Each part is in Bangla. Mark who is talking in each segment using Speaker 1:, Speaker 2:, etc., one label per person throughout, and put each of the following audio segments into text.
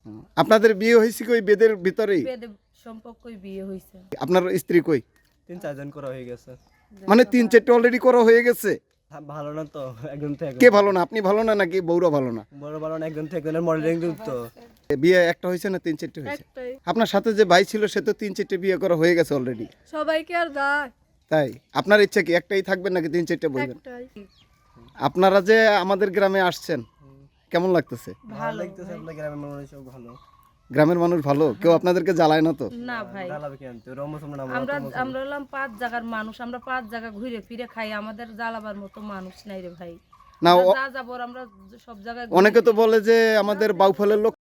Speaker 1: আপনাদের বিয়ে হয়েছে কি ওই বেদের ভিতরেই?
Speaker 2: বেদে সম্পর্কই বিয়ে হয়েছে।
Speaker 1: আপনার স্ত্রী কই?
Speaker 3: 3-4 জন করা হয়ে গেছে।
Speaker 1: মানে 3-4টা অলরেডি করা হয়ে গেছে।
Speaker 3: ভালো না তো একজন থেকে
Speaker 1: কে ভালো না? আপনি ভালো না নাকি বউরা ভালো না?
Speaker 3: বড় ভালো না একজন থেকে একজনের মডেলিং তো
Speaker 1: বিয়ে একটা হয়েছে না 3-4টে হয়েছে?
Speaker 4: একটাই।
Speaker 1: আপনার সাথে যে ভাই ছিল সে তো 3-4টে বিয়ে করা হয়ে গেছে অলরেডি।
Speaker 4: সবাইকে আর দায়
Speaker 1: তাই আপনার ইচ্ছা কি একটাই থাকবেন নাকি 3-4টে বলবেন?
Speaker 4: একটাই।
Speaker 1: আপনারা যে আমাদের গ্রামে আসছেন কেমন লাগতেছে?
Speaker 3: ভালো লাগতেছে। আপনার গ্রামের মানুষ সব ভালো।
Speaker 1: গ্রামের মানুষ ভালো, কেউ আপনাদেরকে জ্বালায় না তো?
Speaker 2: না ভাই,
Speaker 3: জ্বালাবে কেন তো রমস আমরা নাম
Speaker 2: আমরা হলাম 5 জায়গার মানুষ, আমরা 5 জায়গা ঘুরে ফিরে খাই, আমাদের জ্বালাবার মতো মানুষ নাই রে ভাই।
Speaker 1: না
Speaker 2: আমরা যা যাবো আমরা সব জায়গায়
Speaker 1: অনেকে তো বলে যে আমাদের বাউফলের লোক।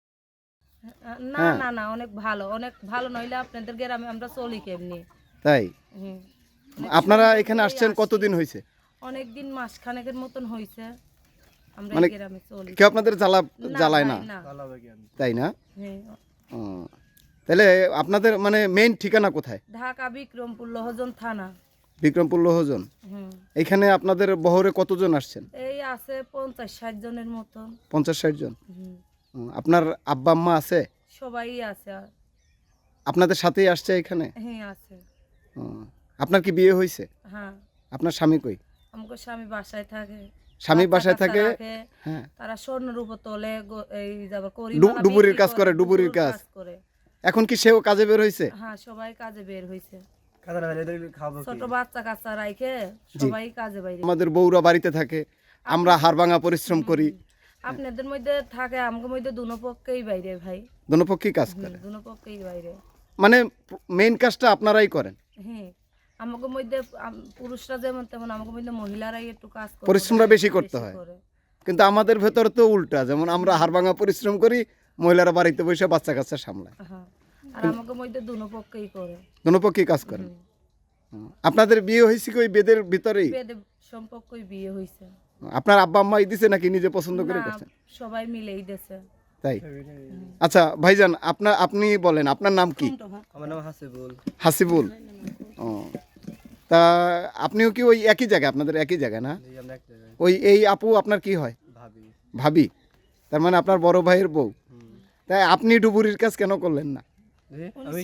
Speaker 2: না না না, অনেক ভালো নইলে আপনাদের গ্রামে আমরা চলি কেমনি?
Speaker 1: তাই
Speaker 2: হুম।
Speaker 1: আপনারা এখানে আসছেন কতদিন হয়েছে?
Speaker 2: অনেকদিন মাসখানেকের মতন হইছে আমরা
Speaker 1: মানে
Speaker 2: এই গ্রামে চলি।
Speaker 1: কেউ আপনাদের জ্বালায় না?
Speaker 2: ভাই, না।
Speaker 3: জ্বালাবে কেন?
Speaker 1: তাই না?
Speaker 2: হ্যাঁ।
Speaker 1: ও, তাহলে আপনাদের মানে মেইন ঠিকানা কোথায়?
Speaker 2: ঢাকা বিক্রমপুর লহজন থানা।
Speaker 1: বিক্রমপুর লোহজন।
Speaker 2: হুম।
Speaker 1: এখানে আপনাদের বহরে কতজন আসছেন?
Speaker 2: এই আছে 50-60 জনের মতন।
Speaker 1: 50-60 জন।
Speaker 2: হুম।
Speaker 1: আপনার আব্বা আম্মা আছে?
Speaker 2: সবাই আছে।
Speaker 1: আপনাদের সাথেই আসছে এখানে?
Speaker 2: হ্যাঁ আছে।
Speaker 1: ও, আপনার কি বিয়ে হয়েছে?
Speaker 2: হ্যাঁ,
Speaker 1: আপনার স্বামী কই?
Speaker 2: আমাকে স্বামী বাসায় থাকে।
Speaker 1: স্বামী
Speaker 2: বাচ্চা
Speaker 1: বাসায়
Speaker 2: কাচ্চা
Speaker 1: থাকে?
Speaker 2: রাখে।
Speaker 1: হ্যাঁ।
Speaker 2: তারা স্বর্ণের উপর তোলে, এই যাবার করি
Speaker 1: ডুবুরির কাজ করে, ডুবুরির কাজ।
Speaker 2: করে।
Speaker 1: এখন কি সেও কাজে বের হয়েছে?
Speaker 2: হ্যাঁ, সবাই কাজে বের হইছে।
Speaker 3: কাদার ভেলে খাবো কি?
Speaker 2: ছোট বাচ্চা কাচ্চা রাইখে সবাই কাজে বাইরে।
Speaker 1: আমাদের বউরা বাড়িতে থাকে, আমরা হাড়ভাঙা পরিশ্রম করি।
Speaker 2: আপনাদের মধ্যে থাকে, আমাদের মধ্যে দুনো পক্ষেই বাইরে ভাই।
Speaker 1: দোনো পক্ষেই কাজ করে।
Speaker 2: দুনো পক্ষেই বাইরে।
Speaker 1: মানে মেইন কাজটা আপনারাই করেন?
Speaker 2: হ্যাঁ, আমাদের মধ্যে পুরুষরা যেমন তেমন আমাদের মধ্যে মহিলারাই একটু কাজ করে।
Speaker 1: পরিশ্রমটা বেশি করতে হয়। কিন্তু আমাদের ভেতর তো উল্টা, যেমন আমরা হাড়ভাঙা পরিশ্রম করি, মহিলারা বাড়িতে বসে বাচ্চা কাচ্চা সামলায়।
Speaker 2: হ্যাঁ, আর আমাদের মধ্যে দুনো পক্ষেই করে।
Speaker 1: দোনো পক্ষেই কাজ করেন। আপনাদের বিয়ে হয়েছে কি ওই বেদের ভিতরেই?
Speaker 2: বেদে সম্পর্কই বিয়ে হইছে।
Speaker 1: আপনার আব্বা আম্মাই দিছে নাকি নিজে পছন্দ করে
Speaker 2: না,
Speaker 1: করছেন?
Speaker 2: সবাই মিলেই দেছে।
Speaker 1: তাই? আচ্ছা ভাইজান, আপনি বলেন আপনার নাম কি?
Speaker 3: আমার নাম হাসিবুল।
Speaker 1: হাসিবুল। ও, তা আপনিও কি ওই একই জায়গায়, আপনাদের একই জায়গায় না?
Speaker 3: জি আমরা এক জায়গায়
Speaker 1: ওই এই আপু আপনার কি হয়?
Speaker 3: ভাবি।
Speaker 1: ভাবি? তার মানে আপনার বড় ভাইয়ের বউ। তাই আপনি ডুবুরির কাজ কেন করলেন না?
Speaker 3: জি আমি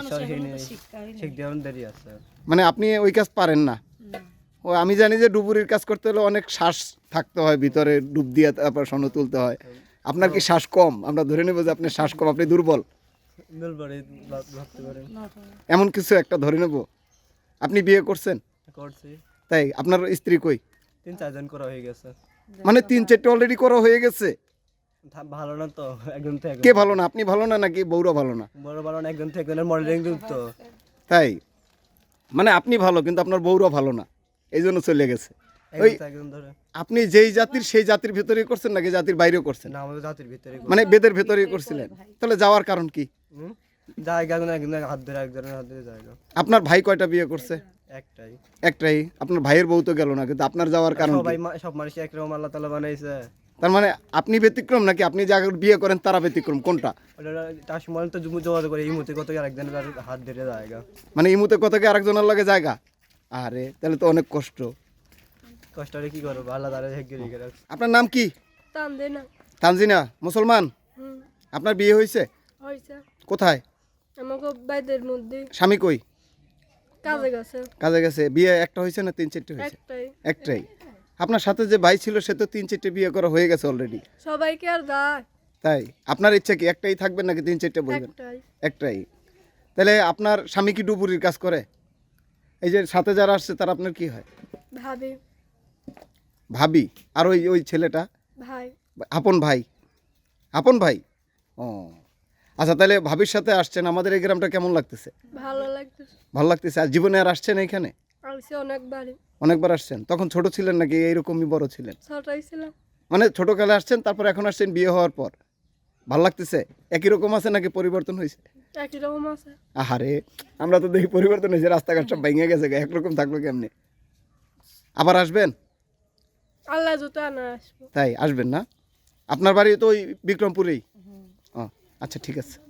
Speaker 3: শিখ দেওয়ার দেরি আছে।
Speaker 1: মানে আপনি ওই কাজ পারেন না? ও, আমি জানি যে ডুবুরির কাজ করতে হলে অনেক শ্বাস থাকতে হয়, ভিতরে ডুব দিয়ে তারপর সন তুলতে হয়। আপনার কি শ্বাস কম? আমরা ধরে নেব যে আপনার শ্বাস কম, আপনি দুর্বল,
Speaker 3: মেলবাড়ি ভাবতে পারেন।
Speaker 1: এমন কিছু একটা ধরে নেব। আপনি বিয়ে করছেন?
Speaker 3: করছি।
Speaker 1: তাই আপনার স্ত্রী কই?
Speaker 3: 3-4 জন করা হয়ে গেছে।
Speaker 1: মানে 3-4টে অলরেডি করা হয়ে গেছে।
Speaker 3: ভালো না তো একজন থেকে
Speaker 1: কে ভালো না? আপনি ভালো না নাকি বউরা ভালো না?
Speaker 3: বড় ভালো না একজন থেকে একজনের মডেলিং তো
Speaker 1: তাই মানে আপনি ভালো কিন্তু আপনার বউরা ভালো না, এই জন্য চলে গেছে। ওই
Speaker 3: একজন ধরে
Speaker 1: আপনি যেই জাতির সেই জাতির ভেতরেই করছেন নাকি জাতির বাইরেও করছেন?
Speaker 3: না আমাদের জাতির ভিতরে
Speaker 1: মানে বেদের ভেতরেই করছিলেন? তাহলে যাওয়ার কারণ কি?
Speaker 3: জায়গা একজনের হাত ধরে একজনের হাত ধরে জায়গা
Speaker 1: আপনার ভাই কয়টা বিয়ে করছে?
Speaker 3: একটাই।
Speaker 1: একটাই। আপনার ভাইয়ের বউ তো গেল না, কিন্তু আপনার যাওয়ার কারণ কি?
Speaker 3: সবাই সব মানুষ একরকম আল্লাহ তাআলা বানাইছে।
Speaker 1: তার মানে আপনি ব্যতিক্রম নাকি আপনি যাকে বিয়ে করেন তারা ব্যতিক্রম, কোনটা?
Speaker 3: ওটা তার সময় তো যোগাযোগ করে এই মুহূর্তে কত আরেকজনের হাত ধরে জায়গা
Speaker 1: মানে ইমুতে কত কি আরেকজনের লাগে জায়গা? আরে তাহলে তো অনেক কষ্ট।
Speaker 3: কষ্ট হলে কি করবো আল্লাহ তাআলা হেগে রেখে রাখছে।
Speaker 1: আপনার নাম কি?
Speaker 4: টান দে না।
Speaker 1: তানজিনা, মুসলমান? আপনার বিয়ে হয়েছে?
Speaker 4: হয়েছে।
Speaker 1: কোথায়?
Speaker 4: আমাকে বাইদের মধ্যে
Speaker 1: স্বামী কই?
Speaker 4: কাজে গেছে।
Speaker 1: কাজে গেছে। বিয়ে একটা হয়েছে না 3-4টে হয়েছে?
Speaker 4: একটাই।
Speaker 1: একটাই। আপনার সাথে যে ভাই ছিল সে তো 3-4টে বিয়ে করা হয়ে গেছে অলরেডি।
Speaker 4: সবাইকে আর দায়
Speaker 1: তাই আপনার ইচ্ছা কি একটাই থাকবেন নাকি 3-4টে বলবেন?
Speaker 4: একটাই।
Speaker 1: একটাই। তাহলে আপনার স্বামী কি ডুবুরির কাজ করে? এই যে সাথে যারা আসছে তারা আপনার কি হয়?
Speaker 4: ভাবি।
Speaker 1: ভাবি? আর ওই ওই ছেলেটা?
Speaker 4: ভাই।
Speaker 1: আপন ভাই? আপন ভাই? ও আচ্ছা, তাহলে ভাবির সাথে আসছেন। আমাদের এই গ্রামটা কেমন লাগতেছে?
Speaker 4: ভালো লাগতেছে।
Speaker 1: ভালো লাগতেছে। আর জীবনে আর আসছেন এখানে?
Speaker 4: আসছে অনেকবারই।
Speaker 1: অনেকবার আসছেন। তখন ছোট ছিলেন নাকি এইরকমই বড় ছিলেন?
Speaker 4: ছোটই ছিলাম।
Speaker 1: মানে ছোটকালে আসছেন, তারপর এখন আসছেন বিয়ে হওয়ার পর। ভালো লাগতেছে? একই রকম আছে নাকি পরিবর্তন হয়েছে?
Speaker 4: একই রকম আছে।
Speaker 1: আহারে, আমরা তো দেখি পরিবর্তন হয়েছে, রাস্তাঘাট সব ভেঙে গেছে, একরকম থাকলো কেমনে? আবার আসবেন?
Speaker 4: আল্লাহ জুতো আনা আসবো।
Speaker 1: তাই আসবেন না? আপনার বাড়ি তো ওই বিক্রমপুরেই? ও আচ্ছা, ঠিক আছে।